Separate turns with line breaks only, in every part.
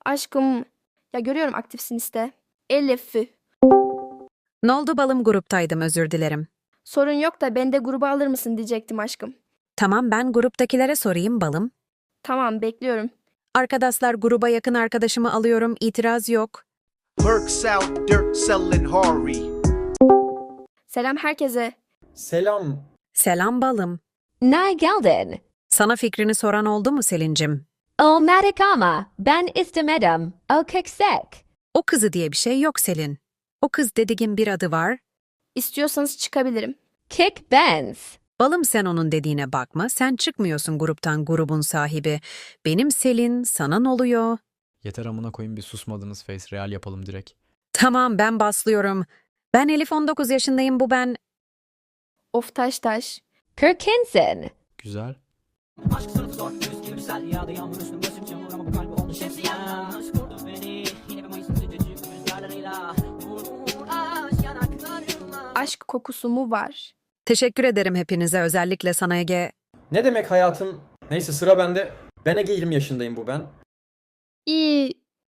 Aşkım, ya görüyorum aktifsin işte. Elif.
Ne oldu balım, gruptaydım, özür dilerim.
Sorun yok da beni de gruba alır mısın diyecektim aşkım.
Tamam, ben gruptakilere sorayım balım.
Tamam, bekliyorum.
Arkadaşlar, gruba yakın arkadaşımı alıyorum, itiraz yok.
Mercs out dirt sellin' Harry.
Selam herkese.
Selam.
Selam balım.
Ne geldin?
Sana fikrini soran oldu mu Selin'cim?
Olmadık ama ben istemedim. O köksek.
O kızı diye bir şey yok Selin. O kız dediğin bir adı var.
İstiyorsanız çıkabilirim.
Kick Benz.
Balım, sen onun dediğine bakma. Sen çıkmıyorsun gruptan, grubun sahibi. Benim Selin, sana ne oluyor?
Yeter amına koyayım, bir susmadınız, face real yapalım direkt.
Tamam, ben baslıyorum. Ben Elif, 19 yaşındayım, bu ben.
Of taş.
Kirkinson.
Güzel.
Aşk sınıfı zor, yüz gibi sel yağdı yağmur üstüm gözüm çamur ama bu kalbi oldu şemsiyen. Aşk vurdu beni, yine bir Mayıs'ın sıcacık rüzgarlarıyla. Vur aşk yanaklarıma.
Aşk kokusu mu var?
Teşekkür ederim hepinize, özellikle sana Ege.
Ne demek hayatım? Neyse, sıra bende. Ben Ege, 20 yaşındayım, bu ben.
İyi.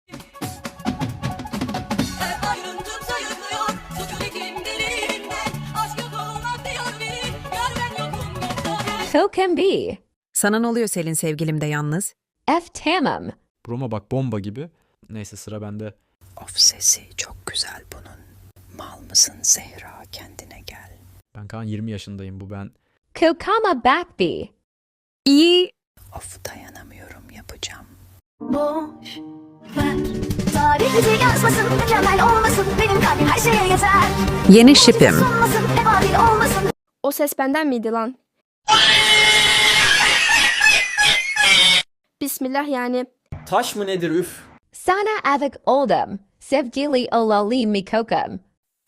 Hep ayrıntı sayıklıyor suçun iklimlerinden. Aşk yok olmak diyor biri. Yar ben yokum yoksa.
Who can be?
Sana ne oluyor Selin, sevgilim de yalnız?
F. Tamam.
Broma bak, bomba gibi. Neyse, sıra bende.
Of, sesi çok güzel bunun. Mal mısın Zehra, kendine gel.
Ben Kaan, 20 yaşındayım, bu ben.
Kokama Backby.
İyi.
Of, dayanamıyorum, yapacağım.
Boş ver. Tarih bizi yazmasın, mükemmel olmasın. Benim kalbim her şeye yeter.
Yeni şipim.
Sunmasın, hep adil olmasın.
O ses benden miydi lan? Bismillah yani.
Taş mı nedir üf?
Sana avik oldum. Sevgili olali mikokum.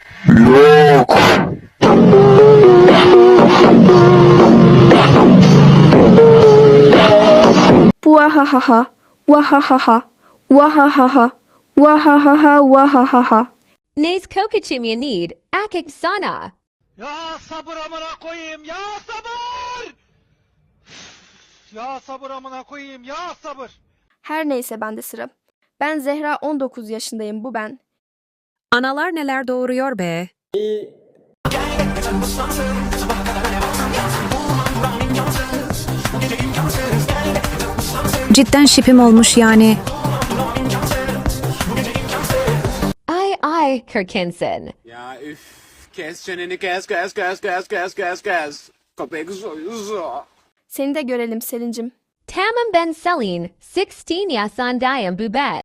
Vahahaha. Wahahaha. Wahahaha. Wahahaha. Wahahaha.
Nez kokachim you need. Akik sana.
Ya sabır amına koyayım, ya sabır! Ya sabır amına koyayım, ya sabır!
Her neyse bende sıra. Ben Zehra, 19 yaşındayım, bu ben.
Analar neler doğuruyor be. Cidden şipim olmuş yani.
I, Kirkinson.
Ya üf, kes çeneni, kes. Köpek soyuzu.
Seni de görelim Selin'cim.
Tamam Ben Selin. 16 yasandayım bubet.